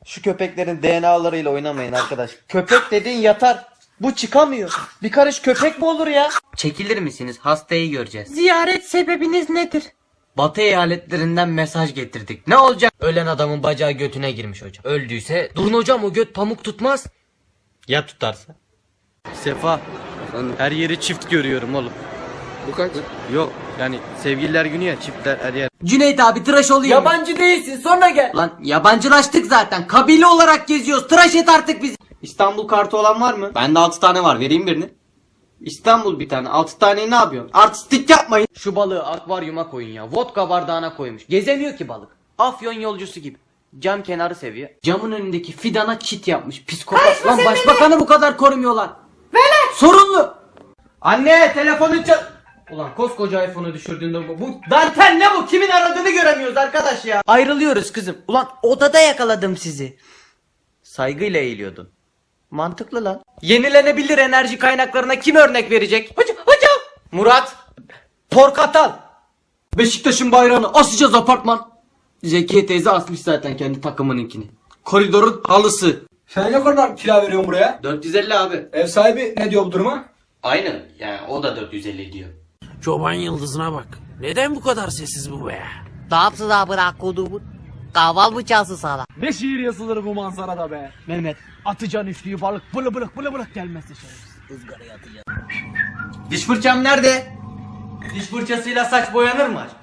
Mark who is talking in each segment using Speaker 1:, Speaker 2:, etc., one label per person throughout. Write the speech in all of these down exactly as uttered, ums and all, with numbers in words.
Speaker 1: Şu köpeklerin D N A'larıyla oynamayın arkadaş. Köpek dediğin yatar. Bu çıkamıyor. Bir karış köpek mi olur ya? Çekilir misiniz? Hastayı göreceğiz.
Speaker 2: Ziyaret sebebiniz nedir?
Speaker 1: Batı eyaletlerinden mesaj getirdik. Ne olacak? Ölen adamın bacağı götüne girmiş hocam. Öldüyse durun hocam, o göt pamuk tutmaz. Ya tutarsa? Sefa. Efendim? Her yeri çift görüyorum oğlum.
Speaker 3: Bu kaç?
Speaker 1: Yok yani sevgililer günü ya, çiftler her yer.
Speaker 2: Cüneyt abi tıraş olayım.
Speaker 1: Yabancı değilsin, sonra gel. Lan yabancılaştık zaten. Kabile olarak geziyoruz. Tıraş et artık bizi. İstanbul kartı olan var mı? Bende altı tane var. Vereyim birini. İstanbul bir tane. altı taneyi ne yapıyorsun? Artistik yapmayın. Şu balığı akvaryuma koyun ya. Vodka bardağına koymuş. Gezemiyor ki balık. Afyon yolcusu gibi. Cam kenarı seviyor. Camın önündeki fidana çit yapmış. Psikopat. Lan başbakanı bu kadar korumuyorlar. Velet. Sorunlu. Anne telefonu çal... Ulan koskoca iPhone'u düşürdüğünde bu, bu dantel ne bu? Kimin aradığını göremiyoruz arkadaş ya. Ayrılıyoruz kızım. Ulan odada yakaladım sizi. Saygıyla eğiliyordun. Mantıklı lan. Yenilenebilir enerji kaynaklarına kim örnek verecek? Hocam, hocam. Murat. Porkatal. Beşiktaş'ın bayrağını asacağız apartman. Zekiye teyze asmış zaten kendi takımınınkini. Koridorun halısı.
Speaker 3: Sen ne kadar kira veriyorsun buraya?
Speaker 1: dört yüz elli abi.
Speaker 3: Ev sahibi ne diyor bu duruma?
Speaker 1: Aynı. Yani o da dört yüz elli diyor.
Speaker 4: Çoban yıldızına bak. Neden bu kadar sessiz bu be?
Speaker 2: Ne yapsın abi kodumun? Kahval mı çalsın sana?
Speaker 4: Ne şiir yazılır bu manzarada be? Mehmet, atacaksın üflüyü balık bılı bılık bılı bılık gelmezse şerefsiz. Izgaraya atacaksın.
Speaker 1: Diş fırçam nerede? Diş fırçasıyla saç boyanır mı aşk?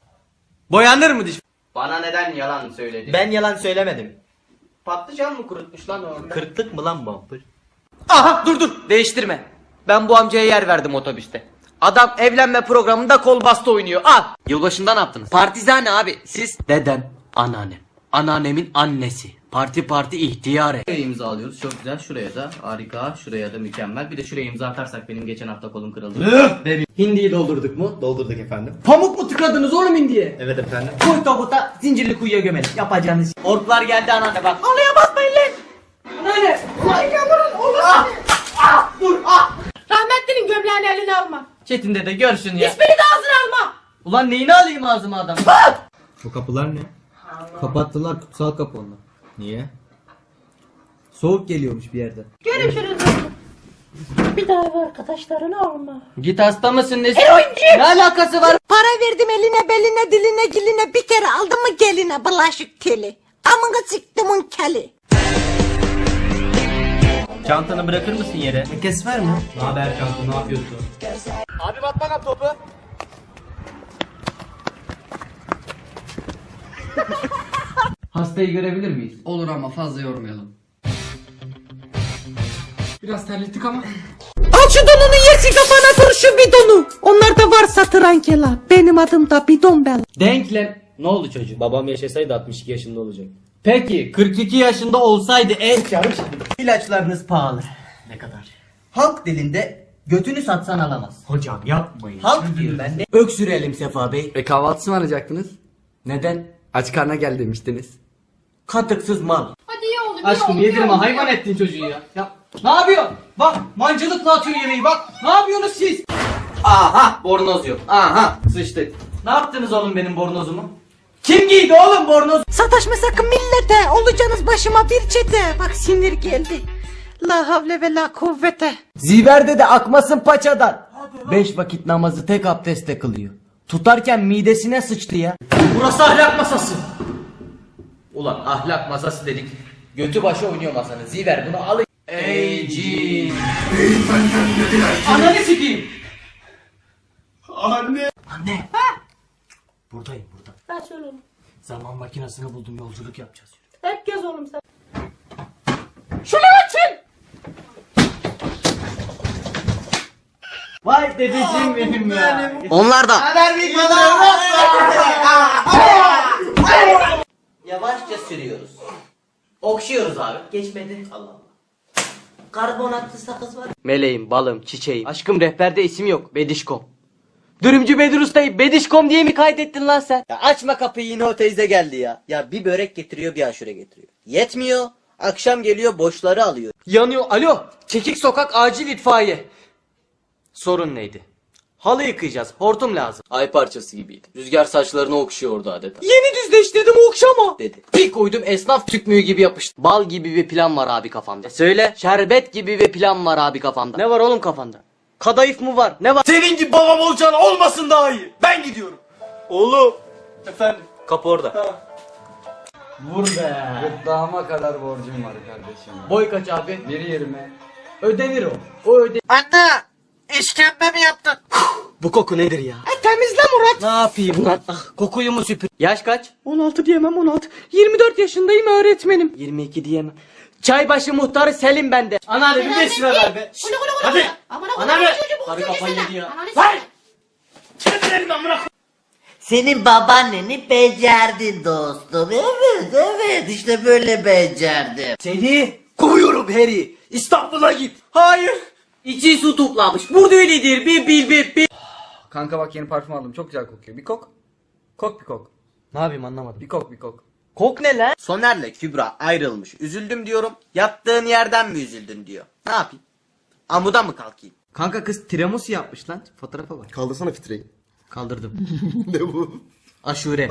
Speaker 1: Boyanır mı diş? Bana neden yalan söyledin?
Speaker 5: Ben yalan söylemedim.
Speaker 1: Patlıcan mı kurutmuş lan orada?
Speaker 5: Kırklık mı lan bu?
Speaker 1: Aha dur dur değiştirme. Ben bu amcaya yer verdim otobüste. Adam evlenme programında kol bastı oynuyor. Al. Yılbaşında ne yaptınız? Partizane abi. Siz? Dedem, anneannem. Anneannemin annesi. Parti parti ihtiyare.
Speaker 5: Şuraya imza alıyoruz. Çok güzel. Şuraya da harika. Şuraya da mükemmel. Bir de şuraya imza atarsak benim geçen hafta kolum kırıldı. Hindiyi doldurduk mu? Doldurduk efendim.
Speaker 1: Pamuk mu tıkadınız oğlum indiye?
Speaker 5: Evet efendim.
Speaker 1: Koy tabuta zincirli kuyuya gömelim. Yapacağınız. Orklar geldi anneanne bak. Halıya basmayın lan. Anneanne. Ulan yavrum oğlum. Ah, ah, dur ah.
Speaker 2: Rahmetlinin gömleğini eline alma.
Speaker 1: Çetin dede görsün ya.
Speaker 2: İsmini de ağzına alma.
Speaker 1: Ulan neyini alayım ağzıma adam?
Speaker 5: Bu kapılar ne? Kapattılar, kutsal kapı onlar. Niye? Soğuk geliyormuş bir yerden.
Speaker 2: Görüşürüz. Bir daha ev arkadaşlarını alma.
Speaker 1: Git hasta mısın nesin?
Speaker 2: Eroinci.
Speaker 1: Ne alakası var?
Speaker 2: Para verdim eline beline diline giline bir kere aldım mı geline bulaşık teli. Amına siktimin keli.
Speaker 5: Çantanı bırakır mısın yere?
Speaker 1: Kes ver mi?
Speaker 5: Ne haber çanta, ne yapıyorsun?
Speaker 4: Abi bak bana topu.
Speaker 1: Hastayı görebilir miyiz?
Speaker 6: Olur ama fazla yormayalım. Biraz terlettik ama.
Speaker 2: Al şu donunu yesin kafana vur şu bidonu. Onlarda var satırankela. Benim adım da bidon bel.
Speaker 1: Denklem. Ne oldu çocuğum?
Speaker 5: Babam yaşasaydı altmış iki yaşında olacak.
Speaker 1: Peki kırk iki yaşında olsaydı en... İlaçlarınız pahalı.
Speaker 5: Ne kadar?
Speaker 1: Halk dilinde götünü satsan alamaz.
Speaker 5: Hocam yapmayın.
Speaker 1: Halk diyor ben de. Öksürelim Sefa Bey.
Speaker 6: E kahvaltısı mı arayacaktınız?
Speaker 1: Neden?
Speaker 6: Aç karnına gel demiştiniz.
Speaker 1: Katıksız mal.
Speaker 7: Hadi ye oğlum.
Speaker 1: Aşkım yedirme hayvan ettin çocuğu ya. Ya ne yapıyorsun? Bak mancılıkla atıyor yemeği bak. Ne yapıyorsunuz siz? Aha bornoz yok. Aha sıçtık. Ne yaptınız oğlum benim bornozumu? Kim giydi oğlum bornoz?
Speaker 2: Sataşma sakın millete. Olacaksınız başıma bir çete. Bak sinir geldi. La havle ve la kuvvete.
Speaker 1: Ziverde de akmasın paçadan. Beş vakit namazı tek abdestle kılıyor. Tutarken midesine sıçtı ya. Burası ahlak masası. Ulan ahlak masası dedik. Götü başı oynuyor masanın. Ziver bunu alın. Ey cin. Ananı sikeyim.
Speaker 4: Anne.
Speaker 1: Anne. Ha? Buradayım burada.
Speaker 7: Ben söyle oğlum.
Speaker 4: Zaman makinesini buldum, yolculuk yapacağız.
Speaker 7: Hep gez oğlum sen.
Speaker 2: Şunu açın.
Speaker 1: Vay dedeciğim benim ya.
Speaker 2: Onlar da.
Speaker 1: Yavaşça sürüyoruz. Okşuyoruz abi. Geçmedi. Allah Allah. Karbonatlı sakız var. Meleğim, balım, çiçeğim. Aşkım rehberde isim yok. Bedişkom. Dürümcü Bedir Usta'yı Bedişkom diye mi kaydettin lan sen? Ya açma kapıyı yine o teyze geldi ya. Ya bir börek getiriyor bir aşure getiriyor. Yetmiyor. Akşam geliyor boşları alıyor. Yanıyor. Alo. Çekik sokak acil itfaiye. Sorun neydi? Halı yıkayacağız. Hortum lazım.
Speaker 5: Ay parçası gibiydi. Rüzgar saçlarını okşuyordu adeta.
Speaker 1: Yeni düzleştirdim okşama.
Speaker 5: Dedi. Bir koydum esnaf tükmüğü gibi yapıştı. Bal gibi bir plan var abi kafamda.
Speaker 1: E söyle.
Speaker 5: Şerbet gibi bir plan var abi kafamda.
Speaker 1: Ne var oğlum kafanda? Kadayıf mı var? Ne var?
Speaker 3: Senin gibi babam olacağına olmasın daha iyi. Ben gidiyorum.
Speaker 1: Oğlum.
Speaker 3: Efendim.
Speaker 1: Kapı orada.
Speaker 5: Vur be.
Speaker 6: Gırtlağıma kadar borcum var kardeşim.
Speaker 5: Boy kaç abi?
Speaker 6: bir yirmi.
Speaker 5: Ödenir o. O öde.
Speaker 2: Anne işkembe mi yaptın?
Speaker 1: Bu koku nedir ya?
Speaker 2: E, temizle Murat.
Speaker 1: Ne yapayım lan? Ah, kokuyu mu süpür? Yaş kaç?
Speaker 2: on altı diyemem on altı. yirmi dört yaşındayım öğretmenim.
Speaker 1: yirmi iki diyemem. Çaybaşı muhtarı Selim bende. Anneanne bir beş lira ver be. Hadi. Anneanne. Karı kafayı yedi ya. Ver.
Speaker 7: Senin babaanneni becerdin dostum. Evet evet işte böyle becerdim.
Speaker 1: Seni kovuyorum Harry. İstanbul'a git. Hayır. İçi su toplamış. Burada öyledir. Bir bil bir bil.
Speaker 6: Kanka bak yeni parfüm aldım. Çok güzel kokuyor. Bir kok. Kok bir kok.
Speaker 1: Ne yapayım anlamadım.
Speaker 6: Bir kok bir kok.
Speaker 1: Kok ne lan? Soner'le Kübra ayrılmış. Üzüldüm diyorum. Yattığın yerden mi üzüldün diyor. Ne yapayım? Amuda mı kalkayım? Kanka kız tiramisu yapmış lan. Fotoğrafa bak.
Speaker 8: Kaldırsana fitreyi.
Speaker 1: Kaldırdım.
Speaker 8: Ne bu?
Speaker 1: Aşure.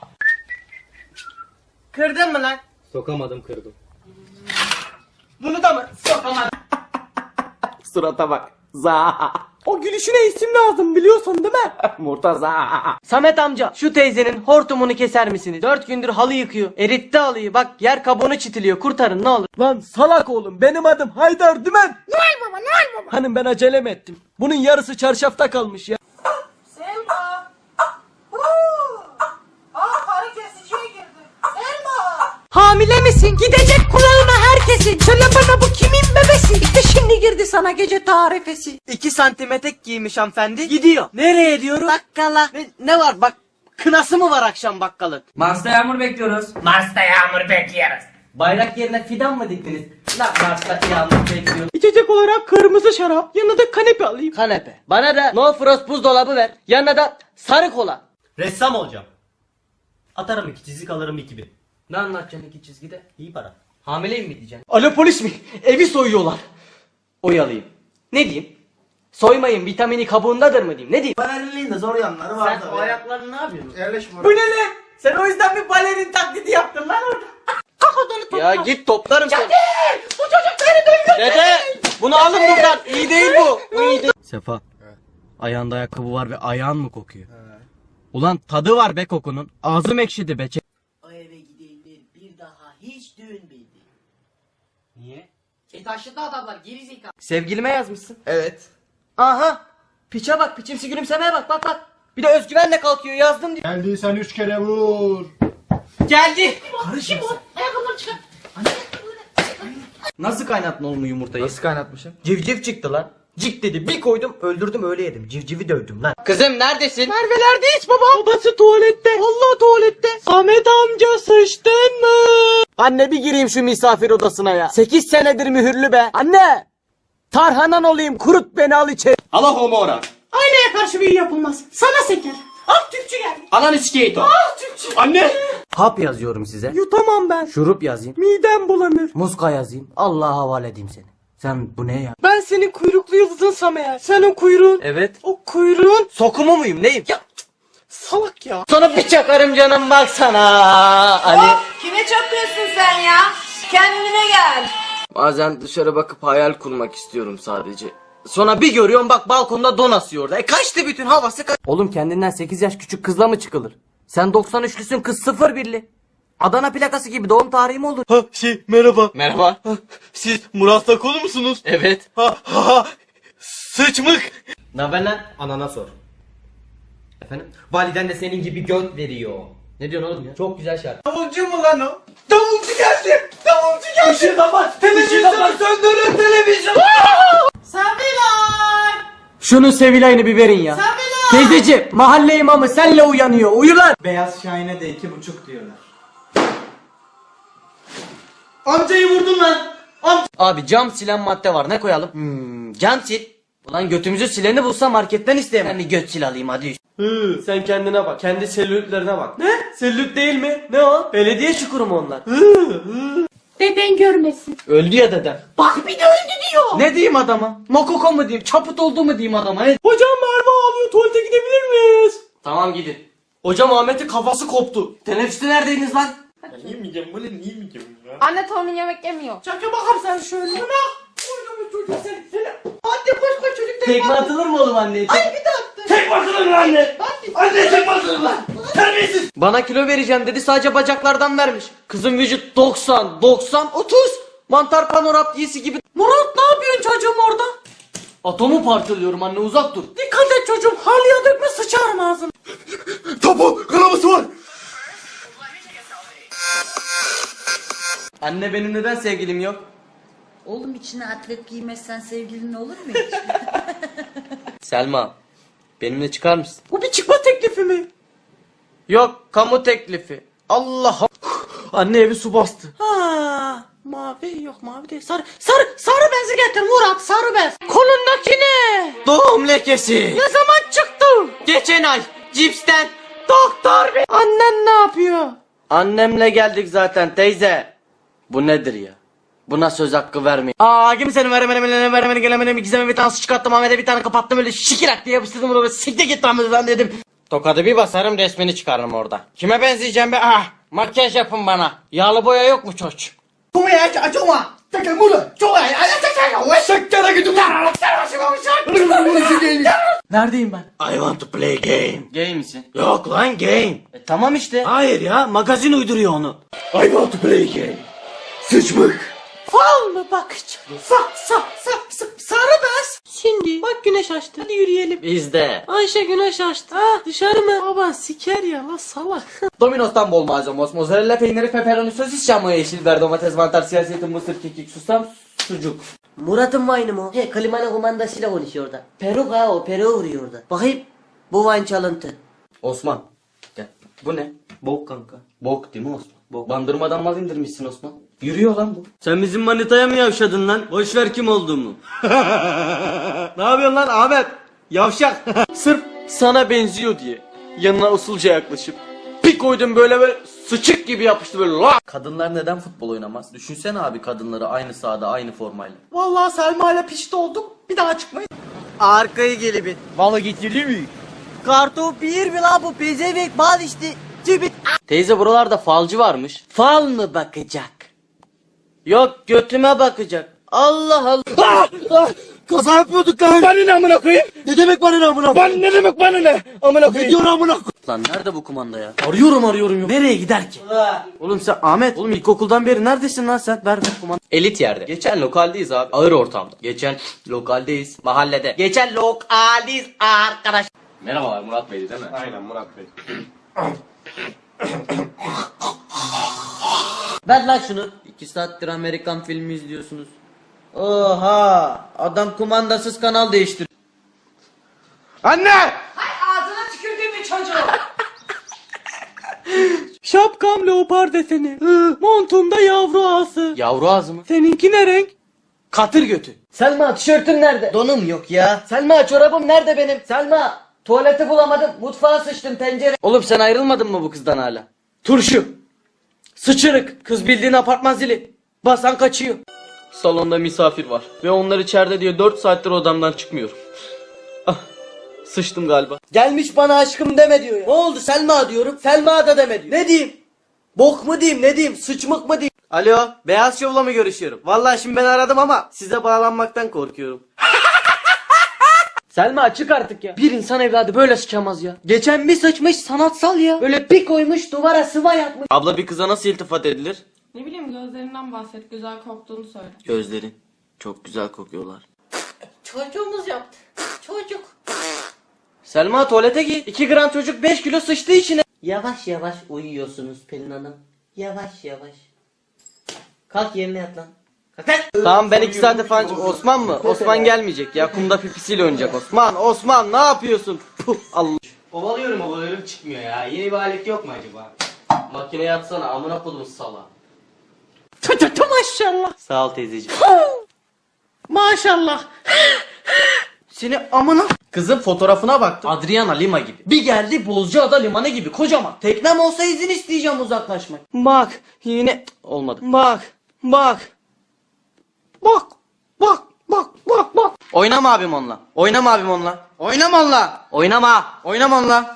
Speaker 1: Kırdın mı lan? Sokamadım kırdım. Bunu da mı? Sokamadım. Surata bak. Za. O gülüşüne isim lazım biliyorsun değil mi? Murtaza. Samet amca şu teyzenin hortumunu keser misiniz? Dört gündür halı yıkıyor. Eritti halıyı bak yer kabuğunu çitiliyor. Kurtarın ne olur.
Speaker 4: Lan salak oğlum benim adım Haydar Dümen. Noel baba Noel baba. Hanım ben acele mi ettim? Bunun yarısı çarşafta kalmış ya.
Speaker 2: Selma. Aa karı kesiciye girdi. Selma. Hamile misin? Gidecek kulağına herkesin. Söyle bana bu kimin bebesi? İşte şimdi girdi sana gece tarifesi.
Speaker 1: İki santim etek giymiş hanımefendi. Gidiyor. Nereye diyoruz?
Speaker 2: Bakkala.
Speaker 1: Ne, ne var bak. Kınası mı var akşam bakkalın?
Speaker 6: Mars'ta yağmur bekliyoruz.
Speaker 1: Bayrak yerine fidan mı diktiniz? Lan Mars'ta yağmur bekliyor.
Speaker 4: İçecek olarak kırmızı şarap yanına da kanepe alayım.
Speaker 1: Kanepe. Bana da no frost buzdolabı ver. Yanına da sarı kola. Ressam olacağım. Atarım iki çizik alırım iki bin. Ne anlatacaksın iki çizgide? İyi para. Hamileyim mi diyeceksin? Alo polis mi? Evi soyuyorlar. Oyalayayım. Ne diyeyim? Soymayın vitamini kabuğundadır mı diyeyim? Ne diyeyim?
Speaker 8: Balerinin de zor yanları var
Speaker 1: Sen
Speaker 8: tabii.
Speaker 1: o ayaklarını ne yapıyorsun?
Speaker 8: Yerleşme
Speaker 1: Bu ne lan? Sen o yüzden bir balerin taklidi yaptın lan orada.
Speaker 2: Kalk odanı topla.
Speaker 1: Ya git toplarım seni.
Speaker 2: Bu çocuk beni duyuyor.
Speaker 1: Dede bunu alın buradan. İyi değil bu. Bu iyi değil. Sefa. Ayağında ayakkabı var ve ayağın mı kokuyor? Ulan tadı var be kokunun. Ağzım ekşidi be.
Speaker 7: O eve gidenler bir daha hiç dönmedi.
Speaker 1: Niye?
Speaker 7: E taşıdı adamlar geri zekalı.
Speaker 1: Sevgilime yazmışsın.
Speaker 8: Evet.
Speaker 1: Aha. Piçe bak. Piçimsi gülümsemeye bak. Bak bak. Bir de özgüvenle kalkıyor. Yazdım diyor.
Speaker 8: Geldiysen üç kere vur.
Speaker 1: Geldi.
Speaker 2: Kim o? Ayakkabıları çıkar.
Speaker 1: Nasıl kaynattın oğlum yumurtayı?
Speaker 6: Nasıl kaynatmışım?
Speaker 1: Civciv çıktı lan. Cik dedi bir koydum öldürdüm öyle yedim. Civcivi dövdüm lan. Kızım neredesin?
Speaker 4: Merve'lerdeyiz baba. Babası tuvalette. Vallahi tuvalette. Samet amca sıçtın mı?
Speaker 1: Anne bir gireyim şu misafir odasına ya. Sekiz senedir mühürlü be. Anne. Tarhanan olayım kurut beni al içeri. Allah homo ora.
Speaker 2: Aynaya karşı büyü yapılmaz. Sana seker. Ah Türkçü geldi.
Speaker 1: Anan iskeyto.
Speaker 2: Ah Türkçü.
Speaker 1: Anne. Hap yazıyorum size.
Speaker 4: Yutamam ben.
Speaker 1: Şurup yazayım.
Speaker 4: Midem bulanır.
Speaker 1: Muska yazayım. Allah'a havale edeyim seni. Sen bu ne ya?
Speaker 4: Ben senin kuyruklu yıldızınsam eğer. Sen o kuyruğun.
Speaker 1: Evet.
Speaker 4: O kuyruğun.
Speaker 1: Sokumu muyum neyim?
Speaker 4: Ya salak ya.
Speaker 1: Sana bir çakarım canım baksana. Ali.
Speaker 9: Kime çakıyorsun sen ya? Kendine gel.
Speaker 1: Bazen dışarı bakıp hayal kurmak istiyorum sadece. Sonra bir görüyorum bak balkonda don asıyor orada. E kaçtı bütün havası kaç. Oğlum kendinden sekiz yaş küçük kızla mı çıkılır? Sen doksan üçlüsün kız sıfır birli. Adana plakası gibi doğum tarihi mi olur?
Speaker 3: Ha şey merhaba.
Speaker 1: Merhaba.
Speaker 3: Ha, siz Murat Sakolu musunuz?
Speaker 1: Evet.
Speaker 3: Ha ha ha. Sıçmık.
Speaker 1: Ne haber lan? Anana sor. Efendim? Validen de senin gibi göt veriyor. Ne diyorsun oğlum ya? Çok güzel şarkı.
Speaker 3: Davulcu mu lan o? Davulcu geldi. Davulcu geldi. Işığı kapat. Televizyonu söndürün televizyon.
Speaker 2: Sabilay.
Speaker 1: Şunun Sevilay'ını bir verin ya.
Speaker 2: Sabilay.
Speaker 1: Teyzeciğim mahalle imamı senle uyanıyor. Uyu lan.
Speaker 3: Beyaz Şahin'e de iki buçuk diyorlar. Amcayı vurdun lan. Amca.
Speaker 1: Abi cam silen madde var ne koyalım? Hmm, cam sil. Ulan götümüzü sileni bulsa marketten isteyemem. Ben bir göt sil alayım hadi.
Speaker 4: Hı, sen kendine bak. Kendi selülitlerine bak. Ne? Selülit değil mi? Ne o?
Speaker 1: Belediye çukuru mu onlar?
Speaker 2: Dede deden görmesin.
Speaker 1: Öldü ya dedem.
Speaker 2: Bak bir de öldü diyor.
Speaker 1: Ne diyeyim adama? Mokoko mu diyeyim? Çaput oldu mu diyeyim adama? Ne?
Speaker 3: Hocam Merve ağlıyor, tuvalete gidebilir miyiz?
Speaker 1: Tamam gidin.
Speaker 3: Hocam Ahmet'in kafası koptu.
Speaker 1: Teneffüste neredeydiniz lan?
Speaker 8: Yemeyeceğim böyle niye yemeyeceğim ya?
Speaker 9: Anne torunun yemek yemiyor.
Speaker 2: Çaka bakalım sen şöyle. Buna. Orada bu çocuk seni. seni. Hadi koş koş çocuk.
Speaker 1: Tekme atılır mı oğlum anneye?
Speaker 2: Ay bir de attı.
Speaker 3: Tek basılır lan anne. Anne tek basılır lan. Terbiyesiz.
Speaker 1: Bana kilo vereceğim dedi, sadece bacaklardan vermiş. Kızın vücut doksan, doksan, otuz. Mantar panoraptiyesi gibi.
Speaker 2: Murat ne yapıyorsun çocuğum orada?
Speaker 1: Atomu parçalıyorum anne, uzak dur.
Speaker 2: Dikkat et çocuğum. Halıya dökme sıçarım ağzını.
Speaker 8: Topu kanaması var.
Speaker 1: Anne benim neden sevgilim yok?
Speaker 7: Oğlum içine atlet giymezsen sevgilin olur mu hiç?
Speaker 1: Selma, benimle çıkar mısın?
Speaker 2: Bu bir çıkma teklifi mi?
Speaker 1: Yok, kamu teklifi. Allah. Anne evi su bastı.
Speaker 2: Ha, mavi yok mavi değil. Sarı sarı sarı bezi getir Murat, sarı bez. Kolundaki ne?
Speaker 1: Doğum lekesi.
Speaker 2: Ne zaman çıktı?
Speaker 1: Geçen ay cipsten.
Speaker 2: Doktor bey. Annen ne yapıyor?
Speaker 1: Annemle geldik zaten teyze. Bu nedir ya? Buna söz hakkı vermeyin. Aa kimsenin veremene veremene veremene gelemene gizeme bir tane su çıkarttım, Ahmet'e bir tane kapattım, öyle şikirak diye yapıştırdım, bunu böyle siktir git lan dedim. Tokadı bir basarım, resmini çıkarırım orada. Kime benzeyeceğim be? Ah, makyaj yapın bana. Yağlı boya yok mu çoç?
Speaker 3: Neredeyim ben?
Speaker 1: I want to play game. Gay misin? Yok lan game. E, tamam işte. Hayır ya, magazin uyduruyor onu.
Speaker 8: I want to play game. Sıçmık.
Speaker 2: Fal mı bakacağım? Sa sa sa sa sarı bez. Şimdi bak güneş açtı. Hadi yürüyelim.
Speaker 1: Bizde.
Speaker 2: Ayşe güneş açtı. Ha dışarı mı? Baba siker ya la salak.
Speaker 1: Domino's'tan bol malzeme, mozzarella peyniri, pepperoni, sosis, çamur, yeşil biber, domates, mantar, siyah zeytin, mısır, kekik, susam, sucuk.
Speaker 7: Murat'ın Vine'ı mı? He klimanın kumandasıyla konuşuyor orada. Peruk ha o peruğu vuruyor orada. Bakayım. Bu Vine çalıntı.
Speaker 1: Osman. Gel. Bu ne? Bok kanka. Bok değil mi Osman? Bok. Bandırmadan mal indirmişsin Osman. Yürüyor lan bu. Sen bizim manitaya mı yavşadın lan? Boş ver kim olduğumu. Ne yapıyorsun lan Ahmet? Yavşak. Sırf sana benziyor diye yanına usulca yaklaşıp bir koydum, böyle böyle sıçık gibi yapıştı böyle. La! Kadınlar neden futbol oynamaz? Düşünsene abi, kadınları aynı sahada aynı formayla.
Speaker 2: Vallahi Selma ile pişti olduk. Bir daha çıkmayız.
Speaker 1: Arkayı gelibin.
Speaker 3: Valla getirdi mi?
Speaker 7: Kartop bir mi la bu pezevek bal işte. Cibit.
Speaker 1: Teyze buralarda falcı varmış.
Speaker 7: Fal mı bakacak?
Speaker 1: Yok, götüme bakacak. Allah Allah.
Speaker 8: Kaza yapıyorduk lan.
Speaker 3: Bana ne amına koyayım?
Speaker 8: Ne demek bana ne amına?
Speaker 3: Bana ne demek bana ne? Amına
Speaker 8: Ne
Speaker 3: koyayım.
Speaker 8: diyor amına?
Speaker 1: Lan nerede bu kumanda ya?
Speaker 3: Arıyorum arıyorum yok.
Speaker 1: Nereye gider ki? Oğlum sen Ahmet, oğlum ilkokuldan beri neredesin lan sen? Ver ver kumanda. Elit yerde. Geçen lokaldeyiz abi. Ağır ortamda. Geçen lokaldeyiz. Mahallede. Geçen lokaldeyiz arkadaş. Merhabalar, Murat Bey'di değil mi?
Speaker 8: Aynen Murat Bey.
Speaker 1: Ver lan şunu. İki saattir Amerikan filmi izliyorsunuz. Oha! Adam kumandasız kanal değiştir.
Speaker 3: Anne!
Speaker 2: Ağzına tükürdüğüm bir çocuğu.
Speaker 3: Şapkam leopar deseni. Montumda yavru ağası.
Speaker 1: Yavru ağzı mı?
Speaker 3: Seninki ne renk?
Speaker 1: Katır götü.
Speaker 7: Selma tişörtüm nerede?
Speaker 1: Donum yok ya.
Speaker 7: Selma çorabım nerede benim? Selma tuvaleti bulamadım. Mutfağa sıçtım pencere.
Speaker 1: Oğlum sen ayrılmadın mı bu kızdan hala? Turşu. Sıçırık. Kız bildiğin apartman zili. Basan kaçıyor. Salonda misafir var. Ve onlar içeride diye dört saattir odamdan çıkmıyorum. Ah. Sıçtım galiba.
Speaker 7: Gelmiş bana aşkım deme diyor ya. Ne oldu Selma diyorum. Selma da deme diyor. Ne diyeyim? Bok mu diyeyim ne diyeyim? Sıçmık mı diyeyim?
Speaker 1: Alo. Beyaz Şov'la mı görüşüyorum? Vallahi şimdi ben aradım ama size bağlanmaktan korkuyorum. Selma açık artık ya. Bir insan evladı böyle sıçamaz ya. Geçen bir sıçmış sanatsal ya.
Speaker 7: Böyle bir koymuş duvara sıva yapmış.
Speaker 1: Abla bir kıza nasıl iltifat edilir?
Speaker 9: Ne bileyim gözlerinden bahset. Güzel koktuğunu söyle.
Speaker 1: Gözleri. Çok güzel kokuyorlar.
Speaker 2: Çocuğumuz yaptı. Çocuk.
Speaker 1: Selma tuvalete git. iki gram çocuk beş kilo sıçtı içine.
Speaker 7: Yavaş yavaş uyuyorsunuz Pelin Hanım. Yavaş yavaş. Kalk yerine yat lan. Kalk lan.
Speaker 1: Tamam ben iki saate falan... Osman mı? Osman gelmeyecek ya. Kumda pipisiyle oynayacak Osman. Osman ne yapıyorsun? Puh, Allah. Ovalıyorum ovalıyorum çıkmıyor ya. Yeni bir alet yok mu acaba? Makineye atsana amına kodum sala.
Speaker 2: Tü tü tü maşallah.
Speaker 1: Sağ ol teyzeciğim.
Speaker 2: Maşallah.
Speaker 1: Seni amına... Kızın fotoğrafına baktım. Adriana Lima gibi. Bir geldi Bozcaada limanı gibi kocaman. Teknem olsa izin isteyeceğim uzaklaşmak. Bak yine... Olmadı. Bak.
Speaker 7: Bak. Bak. Bak. Bak. Bak. Bak.
Speaker 1: Oynama abim onunla. Oynama abim onunla. Oynama onunla. Oynama. Oynama onunla.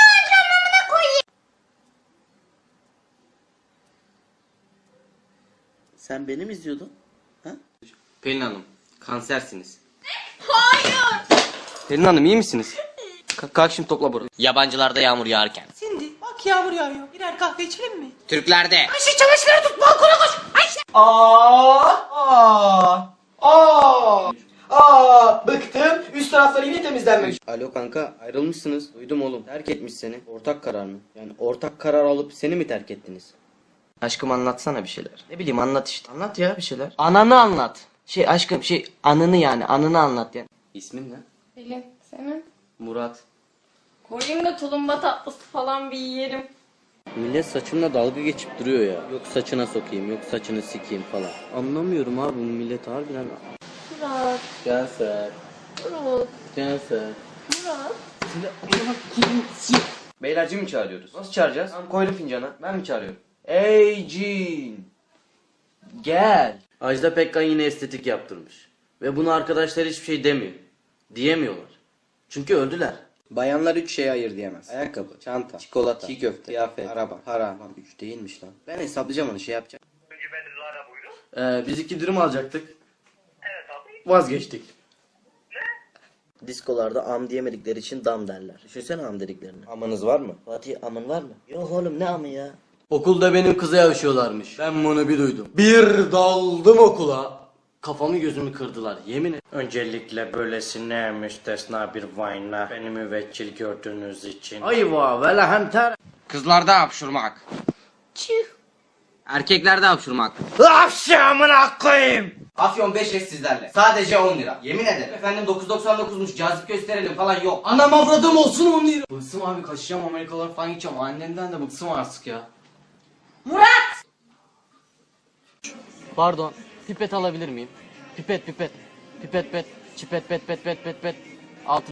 Speaker 7: Sen beni mi izliyordun?
Speaker 1: Pelin Hanım, kansersiniz. Hayır. Pelin Hanım iyi misiniz? Ka- kalk şimdi topla burayı. Yabancılarda yağmur yağarken.
Speaker 2: Cindy bak yağmur yağıyor. Birer kahve içelim mi?
Speaker 1: Türklerde.
Speaker 2: Ayşe çamaşırları tut balkona koş. Ayşe.
Speaker 3: Aa, aa, aa, aa, bıktım. Üst tarafları yine temizlenmek.
Speaker 1: Alo kanka, ayrılmışsınız. Duydum oğlum. Terk etmiş seni. Ortak karar mı? Yani ortak karar alıp seni mi terk ettiniz? Aşkım anlatsana bir şeyler. Ne bileyim anlat işte. Anlat ya bir şeyler. Ananı anlat. Şey aşkım şey anını yani anını anlat yani. İsmin ne?
Speaker 10: Pelin, senin?
Speaker 1: Murat.
Speaker 10: Koyayım da tulumba tatlısı falan bir yiyelim.
Speaker 1: Millet saçımla dalga geçip duruyor ya. Yok saçına sokayım, yok saçını sikeyim falan. Anlamıyorum abi bu millet harbiden.
Speaker 10: Murat,
Speaker 1: Canser.
Speaker 10: Murat,
Speaker 1: Canser.
Speaker 10: Murat.
Speaker 1: Beyler Jim'i çağırıyoruz. Nasıl çağıracağız? Tamam koydum fincana. Ben mi çağırıyorum? Ey Jin. Gel. Ajda Pekkan yine estetik yaptırmış. Ve bunu arkadaşlar hiçbir şey demiyor. Diyemiyorlar. Çünkü öldüler. Bayanlar üç şeye ayır diyemez. Ayakkabı, çanta, çikolata, çiğ köfte, kıyafet, araba, para. Lan üç değilmiş lan. Ben hesaplayacağım onu şey yapacağım. Önce ben Lara buyurun. Ee, biz iki dürüm alacaktık. Evet abi. Vazgeçtik. Ne? Diskolarda am diyemedikleri için dam derler. Düşünsene am dediklerini. Amınız var mı? Fatih amın var mı? Yok oğlum ne amı ya? Okulda benim kıza yavşıyorlarmış. Ben bunu bir duydum. Bir daldım okula. Kafamı gözümü kırdılar yemin et.
Speaker 8: Öncelikle böylesine müstesna bir vayna beni müvekkil gördüğünüz için.
Speaker 1: Ayva ve lehem ter. Kızlarda hapşurmak.
Speaker 10: Çüh.
Speaker 1: Erkeklerde hapşurmak.
Speaker 8: Akşamına koyayım.
Speaker 1: Afyon beş es sizlerle. Sadece on lira. Yemin ederim. Efendim dokuz doksan dokuzmuş cazip gösterelim falan yok. Anam avradım olsun on lira. Bıksım abi kaçacağım Amerikalara falan gideceğim. Annemden de bıksım artık ya.
Speaker 10: Murat!
Speaker 5: Pardon. Pipet alabilir miyim? Pipet pipet. Pipet pet. Çipet pet pet pet pet pet. Altın.